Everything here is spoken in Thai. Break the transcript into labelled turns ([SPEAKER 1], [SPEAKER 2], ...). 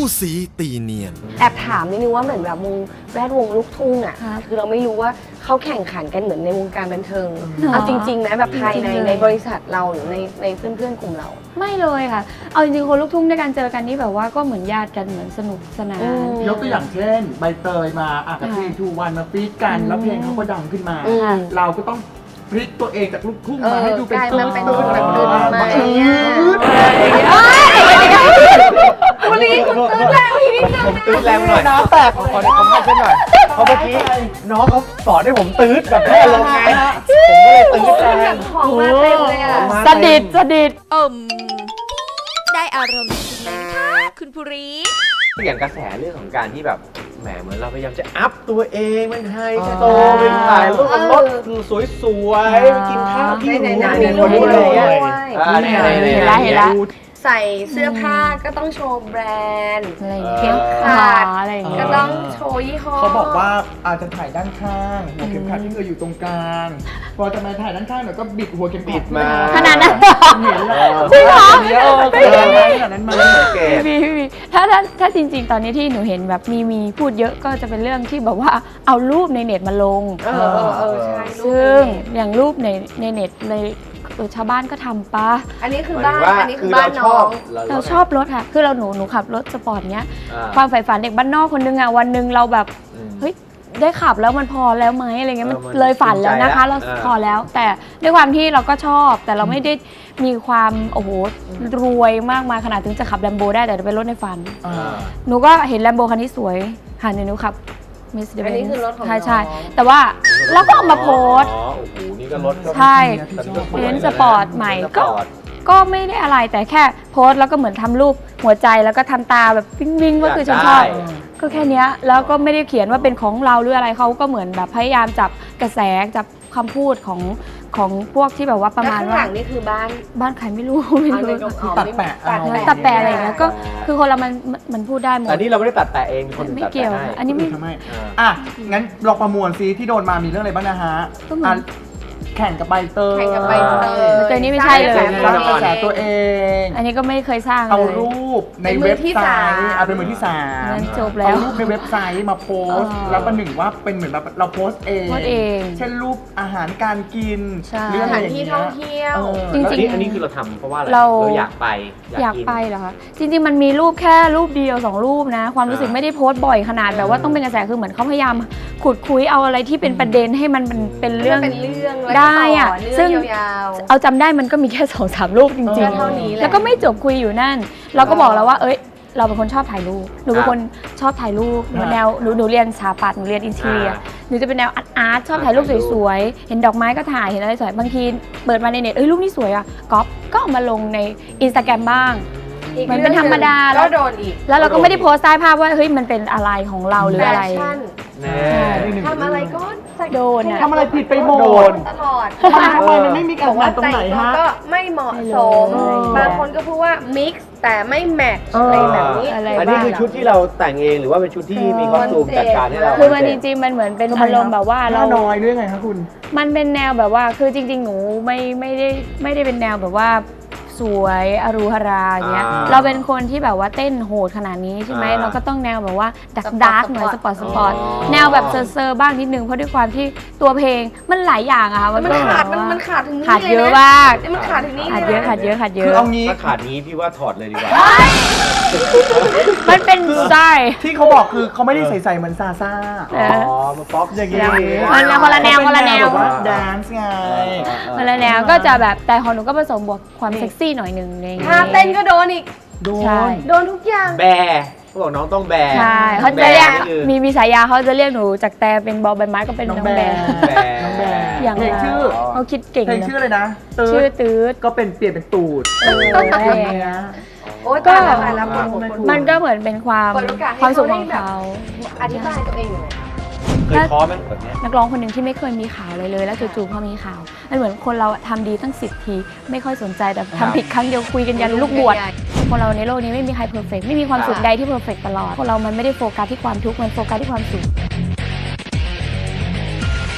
[SPEAKER 1] สีตีเนียน
[SPEAKER 2] แอบถามนิดนึงว่าเหมือนแบบแวดวงลูกทุ่งอ่ะคือเราไม่รู้ว่าเขาแข่งขันกันเหมือนในวงการบันเทิงเอาจริงๆนะแบบภายในบริษัทเราหรือในเพื่อนๆกลุ่มเรา
[SPEAKER 3] ไม่เลยค่ะเอาจริงๆคนลูกทุ่งด้วยกันเจอกันนี่แบบว่าก็เหมือนญาติกันเหมือนสนุกสนาน
[SPEAKER 4] ยกตัวอย่างเช่นใบเตยมากับเพลงทูวันมาฟีดกันแล้วเพลงเขาก็ดังขึ้นมาเราก็ต้องพลิกตัวเองจากลูกทุ่งมาให้ดูเป็นตื้นแบบตื้นมา
[SPEAKER 2] คุณลีคุณตื้นแรงพี่นิดนึงผม
[SPEAKER 5] ตื้นแรงหน่อย
[SPEAKER 4] น้ำแตก
[SPEAKER 5] ขอให้เช่นหน่อยเพราะเมื่อกี้น้องเขาสอนให้ผมตื้นแบบแค่ลงไงผมก็เลยตื้นแรง
[SPEAKER 2] ของมาเต็มเลยอ่ะ
[SPEAKER 3] สดิด
[SPEAKER 6] ได้อารมณ์จริงเลยนะคะคุณภูริ
[SPEAKER 5] อย่างกระแสเรื่องของการที่แบบแหมเหมือนเราพยายามจะอัพตัวเองเป็นไฮโซเป็นถ่ายรูปรถสวยๆไปกินข้าวที่หรูในคนนี้เลยเ
[SPEAKER 3] ห็นแล้ว
[SPEAKER 2] ใส่เสื้อผ้าก็ต้องโชว์แบรนด์
[SPEAKER 3] เข็ม
[SPEAKER 2] ขัด
[SPEAKER 3] อะไรอย่างเงี้ย
[SPEAKER 2] ก็ต้องโชว์ยี่ห้อ
[SPEAKER 4] เขาบอกว่าอาจจะถ่ายด้านข้างหัวเข็มขัดที่เคยอยู่ตรงกลางพอจะมาถ่ายด้านข้างหน่อยก็บิดหัวเข็มขัดมา
[SPEAKER 3] ขนาดนั้น
[SPEAKER 4] เห็นแล้ว
[SPEAKER 3] จริงเหรอ
[SPEAKER 4] ขนาดนั้นมา
[SPEAKER 3] มีถ้าจริงๆตอนนี้ที่หนูเห็นแบบมีพูดเยอะก็จะเป็นเรื่องที่แบบว่าเอารูปในเน็ตมาลง
[SPEAKER 2] ใช่
[SPEAKER 3] ซึ่งอย่างรูปในเน็ตเลยชาวบ้านก็ทำปะ
[SPEAKER 2] อันนี้คือบ้านอันนี้คือบ้านน้อง
[SPEAKER 3] เราชอบรถค่ะคือหนูขับรถสปอร์ตเนี้ยความใฝ่ฝันเด็กบ้านนอกคนนึงอ่ะวันนึงเราแบบเฮ้ยได้ขับแล้วมันพอแล้วไหมอะไรเงี้ยมันเลยฝันแล้วนะคะเราพอแล้วแต่ด้วยความที่เราก็ชอบแต่เราไม่ได้มีความโอ้โหรวยมากมายขนาดถึงจะขับแลมโบได้แต่เป็นรถในฝันหนูก็เห็นแลมโบคันนี้สวยค่ะหนูขับ
[SPEAKER 2] อันนี้คือรถของ
[SPEAKER 3] ใช่แต่ว่าเราก็เอามาโพส
[SPEAKER 5] โอ้โหนี่ก็รถ
[SPEAKER 3] ใช่เป็นสปอร์ตใหม่ก็ไม่ได้อะไรแต่แค่โพสแล้วก็เหมือนทำรูปหัวใจแล้วก็ทำตาแบบวิ่งว่าคือฉันชอบก็แค่นี้แล้วก็ไม่ได้เขียนว่าเป็นของเราหรืออะไรเขาก็เหมือนแบบพยายามจับกระแสจับคำพูดของพวกที่แบบว่าประมาณว่า
[SPEAKER 2] ข้างหลังนี่คือบ้าน
[SPEAKER 3] ใครไม่รู้
[SPEAKER 4] ตัดแปะ
[SPEAKER 3] อะไรอย่างเงี้ยก็คือคนเรามันพูดได้หมด
[SPEAKER 5] อันนี้เราไม่ได้ตัดแปะเองคน
[SPEAKER 3] ไม่เกี่ยวอันนี้
[SPEAKER 4] ไม่งั้นลองประมวลซิที่โดนมามีเรื่องอะไรบ้างนะฮะแข่งกับใบเตย
[SPEAKER 3] ตัวนี้ไม่ใช่เลย
[SPEAKER 4] สร้างกระแสตัวเอง
[SPEAKER 3] อันนี้ก็ไม่เคยสร้าง
[SPEAKER 4] เอารูปในเว็บไซต์เป็นมือที่3
[SPEAKER 3] นั้นจบแล้ว
[SPEAKER 4] เอารูปในเว็บไซต์มาโพสแล้วประหนึ่งว่าเป็นเหมือนแบบเราโพสเองเช่นรูปอาหารการกิน
[SPEAKER 2] หรือสถานที่ท่องเที่ยว
[SPEAKER 3] จริง
[SPEAKER 5] ๆอันนี้คือเราทำเพราะว่าอะไร
[SPEAKER 3] เรา
[SPEAKER 5] อยากไป
[SPEAKER 3] เหรอคะจริงๆมันมีรูปแค่รูปเดียว2รูปนะความรู้สึกไม่ได้โพสบ่อยขนาดแบบว่าต้องเป็นกระแสคือเหมือนเขาพยายามขุดคุยเอาอะไรที่เป็นประเด็นให้มันเป็นเรื่องได้อะซึ่งเอาจำได้มันก็มีแค่2-3รูปจริงๆแล้วก็ไม่จบคุยอยู่นั่นเราก็บอกแล้วว่าเราเป็นคนชอบถ่ายรูปหนูเป็นคนชอบถ่ายรูปแนวหนูเรียนสถาปัตย์หนูเรียนอินทีเรียหนูจะเป็นแนวอาร์ตชอบถ่ายรูปสวยๆเห็นดอกไม้ก็ถ่ายเห็นอะไรสวยบางทีเปิดมาในเน็ตรูปนี้สวยอ่ะก๊อปก็เอามาลงใน Instagram บ้างมันเป็นธรรมดา
[SPEAKER 2] แล้วโดนอีก
[SPEAKER 3] แล้วเราก็ไม่ได้โพสต์ใต้ภาพว่าเฮ้ยมันเป็นอะไรของเราหรืออะไร
[SPEAKER 2] ทำอะไรก็
[SPEAKER 3] โดน
[SPEAKER 4] ทำอะไรผิดไปหมด
[SPEAKER 2] ตลอด
[SPEAKER 4] ทำไมมันไม่มีการงานตรงไหนฮะ
[SPEAKER 2] ก็ไม่เหมาะสมบางคนก็พูดว่า mix แต่ไม่แมทช์อะไรแบบนี้
[SPEAKER 5] อันนี้คือชุดที่เราแต่งเองหรือว่าเป็นชุดที่มีคอสตูมจัดการให้เรา
[SPEAKER 3] คือมันจริงๆมันเหมือนเป็นอารมณ์แบบว่า
[SPEAKER 4] เราน้อยด้วยไงคะคุณ
[SPEAKER 3] มันเป็นแนวแบบว่าคือจริงๆหนูไม่ได้เป็นแนวแบบว่าสวยอรูฮาราอย่างเงี้ยเราเป็นคนที่แบบว่าเต้นโหดขนาดนี้ใช่ไหมเราก็ต้องแนวแบบว่าดาร์กหน่อยสปอร์ตแนวแบบเซอร์บ้างนิดนึงเพราะด้วยความที่ตัวเพลงมันหลายอย่างอะค่ะ
[SPEAKER 2] มันขาดถึงนี่
[SPEAKER 3] ขาดเยอะมาก
[SPEAKER 2] มันขาดถึงนี่
[SPEAKER 3] ขาดเยอะ
[SPEAKER 4] คือเอางี้
[SPEAKER 5] ถ้าขาดนี้พี่ว่าถอดเลยดีกว่า
[SPEAKER 3] มันเป็นสไตล์
[SPEAKER 4] ที่เขาบอกคือเขาไม่ได้ใส่เหมือนซาซ่า
[SPEAKER 5] มันป๊อปอย่างงี้
[SPEAKER 3] มันคนละแนว
[SPEAKER 4] แบบว่าแดนซ์ไง
[SPEAKER 3] คนละแนวก็จะแบบแต่ของหนูก็ผสมบวกความเซ็กซี่หน่อยนึง
[SPEAKER 2] ท่าเต้นก็โดนอีกโดนทุกอย่าง
[SPEAKER 5] แบเขาบอกน้องต้องแบ
[SPEAKER 3] ใช่เขาจะเรียกมีฉายาเขาจะเรียกหนูจากแต่เป็นบอลใบไม้ก็เป็นน้องแบอย่าง
[SPEAKER 4] เพลงชื่อ
[SPEAKER 3] เขาคิดเก่ง
[SPEAKER 4] เพลงชื่ออะไรนะ
[SPEAKER 3] ชื่อตืด
[SPEAKER 4] ก็เป็นเปลี่ยนเป็นตูด
[SPEAKER 2] ก็
[SPEAKER 3] มันก็เหมือนเป็นความสุขของเขา
[SPEAKER 2] อธิบายตัวเอง
[SPEAKER 5] เคยท้อไหมแบบนี้
[SPEAKER 3] นักร้องคนหนึ่งที่ไม่เคยมีข่าวเลยแล้วจู่ๆพอมีข่าวมันเหมือนคนเราทำดีตั้ง10 ทีไม่ค่อยสนใจแต่ทำผิดครั้งเดียวคุยกันยันลูกบวชคนเราในโลกนี้ไม่มีใครเพอร์เฟกต์ไม่มีความสุขใดที่เพอร์เฟกต์ตลอดคนเรามันไม่ได้โฟกัสที่ความทุกข์มันโฟกัสที่ความสุข